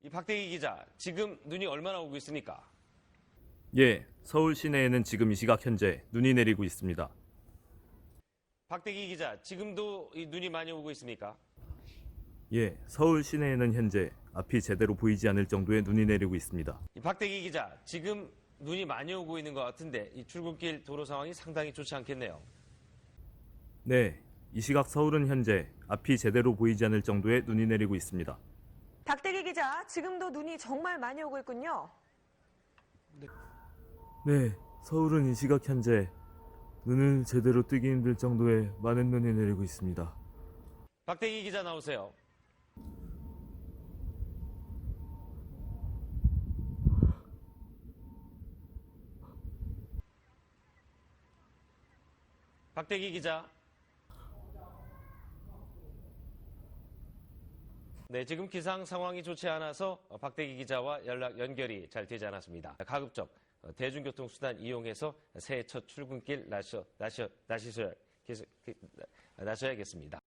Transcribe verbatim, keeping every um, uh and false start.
이 박대기 기자, 지금 눈이 얼마나 오고 있습니까? 예, 서울 시내에는 지금 이 시각 현재 눈이 내리고 있습니다. 박대기 기자, 지금도 이 눈이 많이 오고 있습니까? 예, 서울 시내에는 현재 앞이 제대로 보이지 않을 정도의 눈이 내리고 있습니다. 이 박대기 기자, 지금 눈이 많이 오고 있는 것 같은데 이 출근길 도로 상황이 상당히 좋지 않겠네요. 네, 이 시각 서울은 현재 앞이 제대로 보이지 않을 정도의 눈이 내리고 있습니다. 박대기 기자, 지금도 눈이 정말 많이 오고 있군요. 네, 서울은 이 시각 현재 눈을 제대로 뜨기 힘들 정도의 많은 눈이 내리고 있습니다. 박대기 기자 나오세요. 박대기 기자. 네, 지금 기상 상황이 좋지 않아서 박대기 기자와 연락 연결이 잘 되지 않았습니다. 가급적 대중교통수단 이용해서 새해 첫 출근길 나셔, 나셔, 나시셔, 나셔야겠습니다.